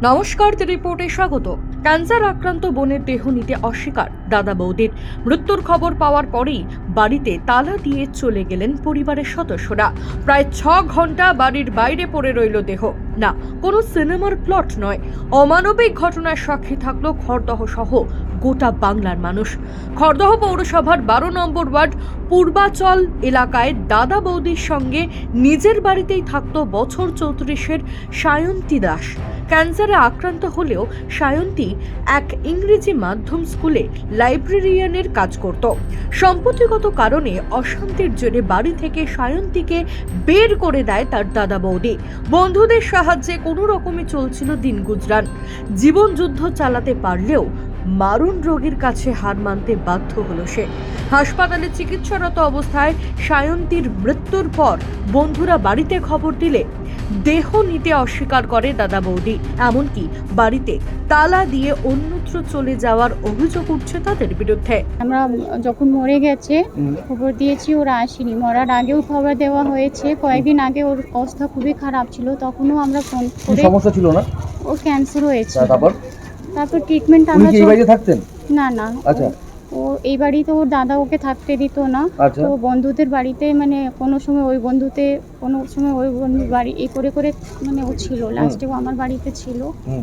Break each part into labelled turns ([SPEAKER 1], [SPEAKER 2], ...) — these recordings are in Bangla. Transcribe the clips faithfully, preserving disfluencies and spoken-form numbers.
[SPEAKER 1] নমস্কার, দ্য রিপোর্টে স্বাগত। ক্যান্সার আক্রান্ত বোনের দেহ নিতে অস্বীকার দাদা বৌদির। মৃত্যুর খবর পাওয়ার পরেই বাড়িতে তালা দিয়ে চলে গেলেন পরিবারের সদস্যরা। প্রায় ছ ঘন্টা বাড়ির বাইরে পড়ে রইল দেহ। না, কোনো সিনেমার প্লট নয়, অমানবিক ঘটনার সাক্ষী থাকলো খড়দহ সহ গোটা বাংলার মানুষ। খড়দহ পৌরসভার বারো নম্বর ওয়ার্ড পূর্বাচল এলাকায় দাদা বৌদির সঙ্গে নিজের বাড়িতেই থাকতো বছর চৌত্রিশের সায়ন্তী দাস। ক্যান্সারে আক্রান্ত হলেও সায়ন্তী এক ইংরেজি মাধ্যম স্কুলে লাইব্রেরিয়ানের কাজ করত। সম্পত্তিগত কারণে অশান্তির জেরে বাড়ি থেকে সায়ন্তীকে বের করে দেয় তার দাদা বৌদি। বন্ধুদের সাহায্যে কোনো রকমে চলছিল দিন গুজরান। জীবন যুদ্ধ চালাতে পারলেও মারণ রোগীর কাছে হার মানতে বাধ্য হলো সে। হাসপাতালে চিকিৎসারত অবস্থায় সায়ন্তীর মৃত্যুর পর বন্ধুরা বাড়িতে খবর দিলে দেহ নিতে অস্বীকার করে দাদা বৌদি। এমনকি বাড়িতে তালা দিয়ে অন্যত্র চলে যাওয়ার অভিযোগ উঠছে তাদের বিরুদ্ধে।
[SPEAKER 2] আমরা যখন মরে গেছে খবর দিয়েছি, ওরা আসেনি। মরার আগেও খবর দেওয়া হয়েছে। কয়েকদিন আগে ওর অবস্থা খুবই খারাপ ছিল, তখনও আমরা ফোন করে।
[SPEAKER 3] সমস্যা ছিল না,
[SPEAKER 2] ওর ক্যান্সার হয়েছে।
[SPEAKER 3] তারপর
[SPEAKER 2] তারপর ট্রিটমেন্ট আমরা
[SPEAKER 3] এই বাড়িতে থাকতেন
[SPEAKER 2] না না
[SPEAKER 3] আচ্ছা
[SPEAKER 2] ও এই বাড়িতে ওর দাদা ওকে থাকতে দিত না।
[SPEAKER 3] আচ্ছা।
[SPEAKER 2] তো বন্ধুদের বাড়িতে, মানে কোনো সময় ওই বন্ধুতে, কোনো সময় ওই বন্ধুর বাড়ি, এই করে করে মানে ও ছিল। লাস্টেও আমার বাড়িতে ছিল।
[SPEAKER 3] হুম।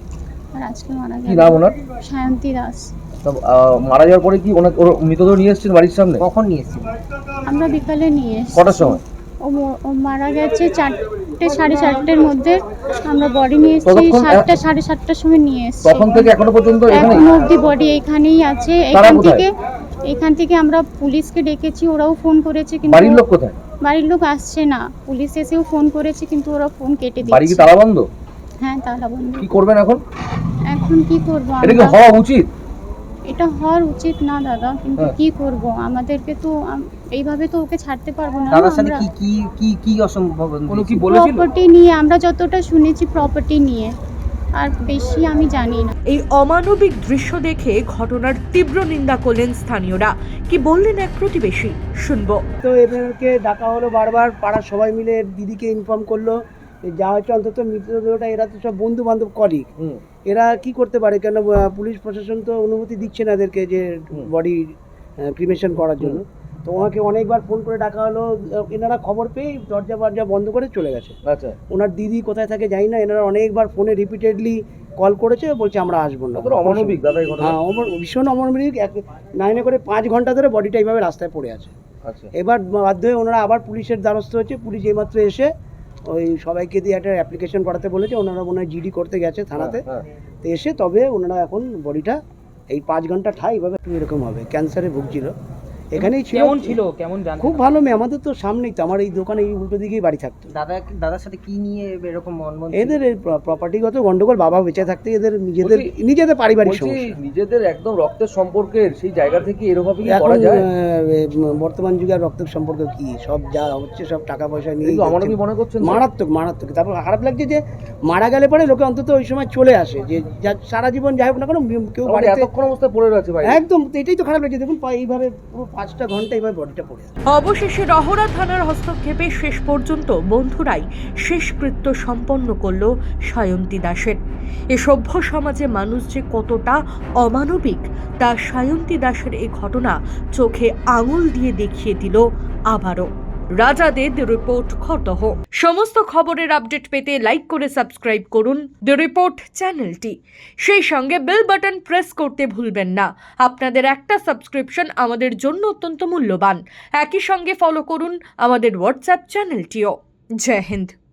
[SPEAKER 2] আর আজকে মারা
[SPEAKER 3] কি
[SPEAKER 2] গেল।
[SPEAKER 3] নাম ওনার?
[SPEAKER 2] সায়ন্তী দাস।
[SPEAKER 3] তো মারা যাওয়ার পরে কি ওনার ওর মৃতদেহ নিয়ে এসেছেন বাড়ির সামনে?
[SPEAKER 4] কখন নিয়ে এসেছেন?
[SPEAKER 2] আমরা বিকালে নিয়ে এসেছি।
[SPEAKER 3] কটার সময়?
[SPEAKER 2] ও ম- ও মারা গেছে চারটে সাড়ে চারটের মধ্যে। আমরা বডি নিয়ে এসেছি
[SPEAKER 3] ততক্ষণ-
[SPEAKER 2] সাতটা সাড়ে সাতটার সময় নিয়ে এসেছি।
[SPEAKER 3] তখন থেকে এখনো পর্যন্ত এখানে
[SPEAKER 2] এখনো অবধি বডি এখানেই আছে।
[SPEAKER 3] তারা
[SPEAKER 2] এখান
[SPEAKER 3] কোথায়?
[SPEAKER 2] থেকে এখান থেকে আমরা পুলিশকে ডেকেছি, ওরাও ফোন করেছে, কিন্তু
[SPEAKER 3] বাড়ির লোক কোথায়?
[SPEAKER 2] বাড়ির লোক আসছে না। পুলিশ এসেও ফোন করেছে, কিন্তু ওরা ফোন কেটে
[SPEAKER 3] বাড়ি কি
[SPEAKER 2] দিচ্ছে।
[SPEAKER 3] তালা বন্ধ?
[SPEAKER 2] হ্যাঁ, তালা বন্ধ।
[SPEAKER 3] কি করবেন এখন?
[SPEAKER 2] এখন কি করব
[SPEAKER 3] এটা কি
[SPEAKER 2] আমরা?
[SPEAKER 3] হওয়া উচিত?
[SPEAKER 2] এটা হওয়ার উচিত না দাদা, কিন্তু
[SPEAKER 3] হ্যাঁ।
[SPEAKER 2] কি করব? আমাদেরকে তো আম- এইভাবে তো ওকে ছাড়তে পারবো না।
[SPEAKER 4] দাদার সাথে
[SPEAKER 2] আমরা
[SPEAKER 4] কি কি কি কি অসম্ভব
[SPEAKER 3] কোনো কি
[SPEAKER 4] হয়েছিল?
[SPEAKER 3] বলেছিল?
[SPEAKER 2] প্রপার্টি নিয়ে, আমরা যতটা শুনেছি প্রপার্টি নিয়ে, আর বেশি আমি জানি না।
[SPEAKER 1] এই অমানবিক দৃশ্য দেখে ঘটনার তীব্র নিন্দা করলেন স্থানীয়রা। কি বললেন এক প্রতিবেশী, শুনবো।
[SPEAKER 5] তো এদেরকে ডাকা হলো বারবার, পাড়ার সবাই মিলে দিদিকে ইনফর্ম করলো যা হচ্ছে অন্তত মৃতদেহটা, এরা তো সব বন্ধু বান্ধব কলিগ,
[SPEAKER 3] হুম।
[SPEAKER 5] এরা কি করতে পারে? কেন আহ, পুলিশ প্রশাসন তো অনুমতি দিচ্ছে না এদেরকে যে বডি ক্রিমেশন করার জন্য। তো ওনাকে অনেকবার ফোন করে ডাকা হলো, আহ, এনারা খবর পেয়ে দরজা ফরজা বন্ধ করে চলে গেছে।
[SPEAKER 3] আচ্ছা।
[SPEAKER 5] ওনার দিদি কোথায় থাকে জানি না, এনারা অনেকবার ফোনে রিপিটেডলি কল করেছে, বলছে আমরা আসবো না।
[SPEAKER 3] কতটা অমানবিক দাদা এই ঘটনা?
[SPEAKER 5] হ্যাঁ, অমর- ভীষণ অমানবিক। এক নাইনে করে পাঁচ ঘন্টা ধরে বডিটা এইভাবে রাস্তায় পড়ে আছে।
[SPEAKER 3] আচ্ছা।
[SPEAKER 5] এবার বাধ্য হয়ে ওনারা আবার পুলিশের দ্বারস্থ হচ্ছে। পুলিশ এইমাত্র এসে ওই সবাইকে দিয়ে একটা অ্যাপ্লিকেশন করাতে বলেছে। ওনারা মনে হয় জিডি করতে গেছে থানাতে।
[SPEAKER 3] হ্যাঁ,
[SPEAKER 5] তো এসে তবে ওনারা এখন বডিটা এই পাঁচ ঘন্টা ঠাই এইভাবে একটু এরকম হবে। ক্যান্সারে ভুগছিল, এখানেই ছিল।
[SPEAKER 4] কেমন ছিল, কেমন জানতে?
[SPEAKER 5] খুব ভালো মেয়ে, আমাদের তো সামনেই তো, আমার এই দোকানে এই উল্টো দিকেই বাড়ি থাকতো।
[SPEAKER 4] দাদা দাদার সাথে কি নিয়ে এরকম মনমন?
[SPEAKER 5] এদের এই প্রপার্টিগত গন্ডগোল, বাবা বেঁচে থাকতে এদের নিজেদের নিজেদের পারিবারিক
[SPEAKER 3] বলছি
[SPEAKER 5] সমস্যা।
[SPEAKER 3] নিজেদের একদম রক্তের সম্পর্কের সেই জায়গা থেকে এরকম কি
[SPEAKER 5] এখন
[SPEAKER 3] করা যায়?
[SPEAKER 5] আহ, বর্তমান যুগে আর রক্তের সম্পর্ক কি? সব যা হচ্ছে সব টাকা পয়সা নিয়ে।
[SPEAKER 3] কিন্তু অমানবিক মনে করছেন তো?
[SPEAKER 5] মারাত্মক মারাত্মক। তারপর খারাপ লাগছে যে মারা গেলে পরে লোকে অন্তত ওই সময় চলে আসে, যে যা- সারা জীবন যাই হোক না কেন কেউ
[SPEAKER 3] আমাদের
[SPEAKER 5] বাড়িতে।
[SPEAKER 3] এতক্ষণ অবস্থায় পড়ে রয়েছে ভাই।
[SPEAKER 5] একদম, তো এটাই তো খারাপ লাগছে। দেখুন পা- এইভাবে পুরো পাঁচটা ঘন্টা এইভাবে বডিটা পড়ে আছে।
[SPEAKER 1] অবশেষে রহরা থানার হস্তক্ষেপে শেষ পর্যন্ত বন্ধুরাই শেষকৃত্য সম্পন্ন করল সায়ন্তী দাসের। এ সভ্য সমাজে মানুষ যে কতটা অমানবিক তা সায়ন্তী দাসের এই ঘটনা চোখে আঙুল দিয়ে দেখিয়ে দিল আবারও। রাজাদের দ্য রিপোর্ট, খড়দহ। সমস্ত খবরের আপডেট পেতে লাইক করে সাবস্ক্রাইব করুন দ্য রিপোর্ট চ্যানেলটি। সেই সঙ্গে বেল বাটন প্রেস করতে ভুলবেন না। আপনাদের একটা সাবস্ক্রিপশন আমাদের জন্য অত্যন্ত মূল্যবান। একই সঙ্গে ফলো করুন আমাদের হোয়াটসঅ্যাপ চ্যানেলটিও। জয় হিন্দ।